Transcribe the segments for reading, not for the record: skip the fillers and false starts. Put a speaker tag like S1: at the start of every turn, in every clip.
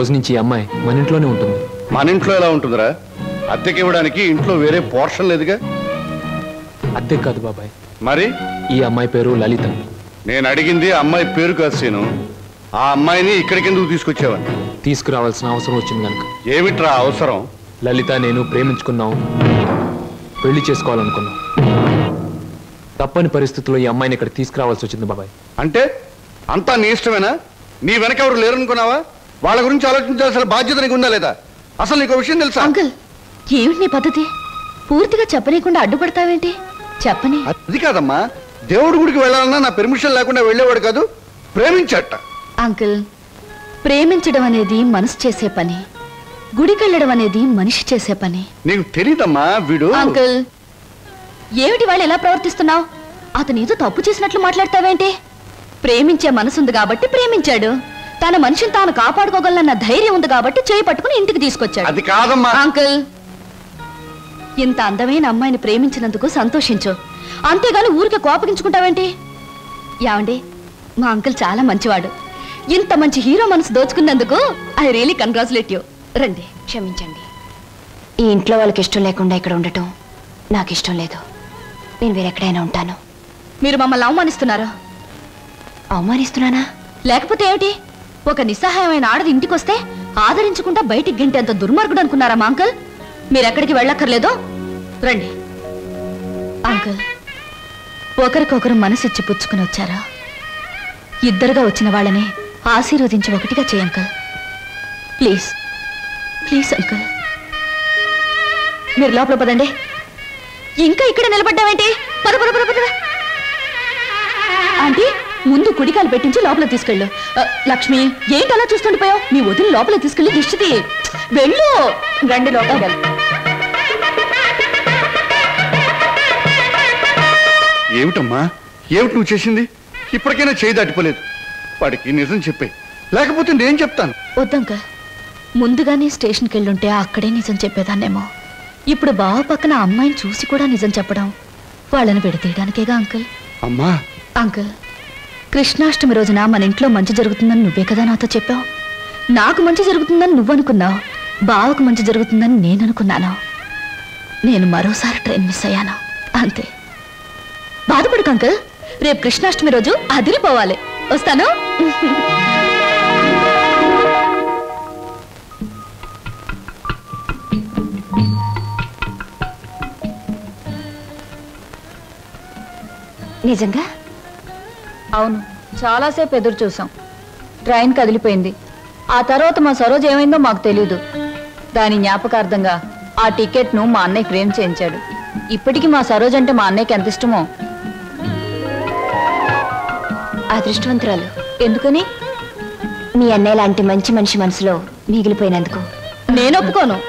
S1: రోజు నుంచి ఈ అమ్మాయి మన ఇంట్లోనే ఉంటుంది.
S2: మన ఇంట్లో ఎలా ఉంటుందిరా? అద్దెకి ఇవ్వడానికి ఇంట్లో వేరే పోర్షన్ లేదుగా.
S1: అద్దె కాదు బాబాయ్,
S2: మరి
S1: ఈ అమ్మాయి పేరు లలిత.
S2: నేను అడిగింది అమ్మాయి పేరు కాదు సీను. ఆ అమ్మాయిని ఇక్కడికి ఎందుకు తీసుకొచ్చావని.
S1: తీసుకురావాల్సిన అవసరం వచ్చింది కనుక.
S2: ఏమిట్రా అవసరం?
S1: లలిత నేను ప్రేమించుకున్నాం, పెళ్లి చేసుకోవాలనుకున్నాం. తప్పని పరిస్థితుల్లో ఈ అమ్మాయిని ఇక్కడ తీసుకురావాల్సి వచ్చింది బాబాయ్.
S2: అంటే అంతా నీ ఇష్టమేనా? నీ వెనక ఎవరు లేరనుకున్నావా? వాళ్ళ గురించి ఆలోచించాల్సిన బాధ్యత నీకు ఉందా లేదా? అసలు నీకు విషయం తెలుసా?
S3: అంకుల్, ఏమిటి నీ పద్ధతి? పూర్తిగా చెప్పనీయకుండా అడ్డుపడతావేంటి? చెప్పని.
S2: అది కాదమ్మా, దేవుడి గుడికి వెళ్ళాలన్నా నా పెర్మిషన్ లేకుండా వెళ్ళేవాడు కాదు, ప్రేమించట.
S3: అంకుల్, ప్రేమించడం అనేది మనసు చేసే పని, గుడికెళ్ళడం అనేది మనిషి చేసే పని.
S2: నీకు తెలీదమ్మా వీడు.
S3: అంకుల్, ఏమిటి వాళ్ళు ఎలా ప్రవర్తిస్తున్నావు? అతను ఏదో తప్పు చేసినట్లు మాట్లాడతావేంటి? ప్రేమించే మనసుంది కాబట్టి ప్రేమించాడు. తన మనిషిని తాను కాపాడుకోగలన్న ధైర్యం ఉంది కాబట్టి చేయి పట్టుకుని ఇంటికి తీసుకొచ్చాడు.
S2: అది కాదమ్మా.
S3: అంకుల్, ఇంత అందమైన అమ్మాయిని ప్రేమించినందుకు సంతోషించు, అంతేగాని ఊరికే కోపగించుకుంటావేంటి? ఏమండి, మా అంకుల్ చాలా మంచివాడు. ఇంత మంచి హీరో మనసు దోచుకున్నందుకు ఐ రియలీ కంగ్రాచులేట్ యూ. రండి.
S4: క్షమించండి, ఈ ఇంట్లో వాళ్ళకి ఇష్టం లేకుండా ఇక్కడ ఉండటం నాకు ఇష్టం లేదు. నేను వేరెక్కడైనా ఉంటాను.
S3: మీరు మమ్మల్ని అవమానిస్తున్నారు.
S4: అవమానిస్తున్నానా?
S3: లేకపోతే ఏమిటి? ఒక నిస్సహాయమైన ఆడది ఇంటికొస్తే ఆదరించకుండా బయటికి గంటేంత దుర్మార్గుడు అనుకున్నారా మా అంకుల్? మీరెక్కడికి వెళ్ళక్కర్లేదు, రండి. అంకుల్, ఒకరికొకరు మనసిచ్చి పుచ్చుకుని వచ్చారా? ఇద్దరుగా వచ్చిన వాళ్ళని ఆశీర్వదించి ఒకటిగా చేయ అంకుల్. ప్లీజ్ ప్లీజ్ అంకుల్, మీరు లోపల పదండి. ఇంకా ఇక్కడ నిలబడ్డావేంటి? పద పద పద పద. ఆంటీ, ముందు కుడికాలు పెట్టించి లోపల తీసుకెళ్ళు. లక్ష్మి, ఏంటి అలా చూస్తుండిపోయావు? మీ వదిలి లోపల తీసుకెళ్ళి దిష్టిది. వెళ్ళు. రండి లోపల.
S2: ఏమిటమ్మా, ఏమిటి నువ్వు చేసింది? ఇప్పటికైనా చేయి దాటిపోలేదు. వాడికి నిజం చెప్పే, లేకపోతే నేను చెప్తాను.
S3: వద్దంకల్, ముందుగానే స్టేషన్కి వెళ్ళుంటే అక్కడే నిజం చెప్పేదాన్నేమో. ఇప్పుడు బావ పక్కన అమ్మాయిని చూసి కూడా నిజం చెప్పడం వాళ్ళని విడతీయడానికేగా అంకుల్.
S2: అమ్మా.
S3: అంకుల్, కృష్ణాష్టమి రోజున మన ఇంట్లో మంచి జరుగుతుందని నువ్వే కదా నాతో చెప్పావు. నాకు మంచి జరుగుతుందని నువ్వనుకున్నావు, బావకు మంచి జరుగుతుందని నేను అనుకున్నాను. నేను మరోసారి ట్రైన్ మిస్ అయ్యాను, అంతే. బాధపడకు అంకుల్, రేపు కృష్ణాష్టమి రోజు అదిరిపోవాలి. వస్తాను.
S4: నిజంగా?
S3: అవును, చాలాసేపు ఎదురు చూసాం. ట్రైన్ కదిలిపోయింది. ఆ తర్వాత మా సరోజ్ ఏమైందో మాకు తెలీదు. దాని జ్ఞాపకార్థంగా ఆ టికెట్ను మా అన్నయ్య ఫ్రేమ్ చేయించాడు. ఇప్పటికీ మా సరోజ్ అంటే మా అన్నయ్యకి ఎంత ఇష్టమో.
S4: అదృష్టవంతురాలు.
S3: ఎందుకని?
S4: మీ అన్నయ్య లాంటి మంచి మనిషి మనసులో మిగిలిపోయినందుకు.
S3: నేను ఒప్పుకోను.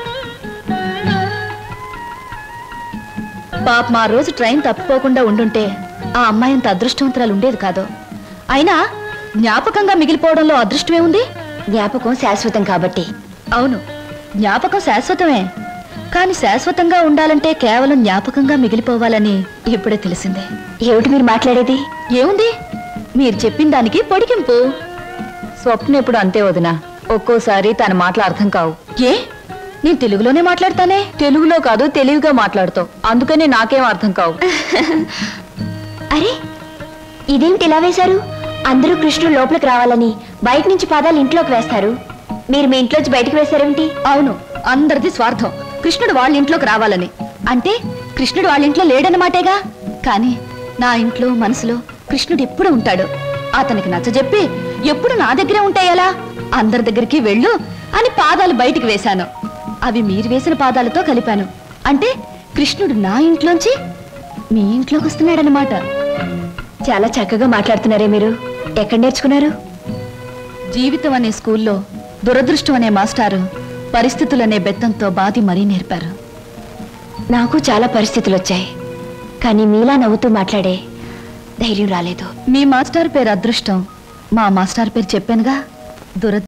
S3: పాప మా రోజు ట్రైన్ తప్పిపోకుండా ఉండుంటే ఆ అమ్మాయి అంత అదృష్టవంతురాలు ఉండేది కాదు. అయినా జ్ఞాపకంగా మిగిలిపోవడంలో అదృష్టమే ఉంది.
S4: జ్ఞాపకం శాశ్వతం కాబట్టి.
S3: అవును, జ్ఞాపకం శాశ్వతమే. కానీ శాశ్వతంగా ఉండాలంటే కేవలం జ్ఞాపకంగా మిగిలిపోవాలని ఇప్పుడే తెలిసిందే.
S4: ఏమిటి మీరు మాట్లాడేది?
S3: ఏముంది, మీరు చెప్పిన దానికి పొడిగింపు. స్వప్న ఎప్పుడు అంతే వదినా, ఒక్కోసారి తన మాటలు అర్థం కావు. ఏ, నేను తెలుగులోనే మాట్లాడతానే. తెలుగులో కాదు, తెలివిగా మాట్లాడుతావు, అందుకని నాకేం అర్థం కావు.
S4: అరే, ఇదేమిటి ఇలా వేశారు? అందరూ కృష్ణుడు లోపలికి రావాలని బయట నుంచి పాదాలు ఇంట్లోకి వేస్తారు. మీరు మీ ఇంట్లోంచి బయటకు వేశారేమిటి?
S3: అవును, అందరిది స్వార్థం. కృష్ణుడు వాళ్ళ ఇంట్లోకి రావాలని. అంటే కృష్ణుడు వాళ్ళ ఇంట్లో లేడన్నమాటేగా. కానీ నా ఇంట్లో మనసులో కృష్ణుడు ఎప్పుడు ఉంటాడు. అతనికి నచ్చజెప్పి ఎప్పుడు నా దగ్గరే ఉంటాయలా? అందరి దగ్గరికి వెళ్ళు అని పాదాలు బయటికి వేశాను. అవి మీరు వేసిన పాదాలతో కలిపాను. అంటే కృష్ణుడు నా ఇంట్లోంచి మీ ఇంట్లోకి వస్తున్నాడనమాట.
S4: చాలా చక్కగా మాట్లాడుతున్నారే మీరు. ఎక్కడ నేర్చుకున్నారు?
S3: జీవితం అనే స్కూల్లో దురదృష్టం అనే మాస్టారు పరిస్థితులనే బెత్తంతో బాధి మరీ నేర్పారు.
S4: నాకు చాలా పరిస్థితులు వచ్చాయి, కానీ మీలా నవ్వుతూ మాట్లాడే ధైర్యం రాలేదు.
S3: మీ మాస్టర్ పేరు అదృష్టం, మా మాస్టర్ పేరు చెప్పానుగా, దురదృష్టం.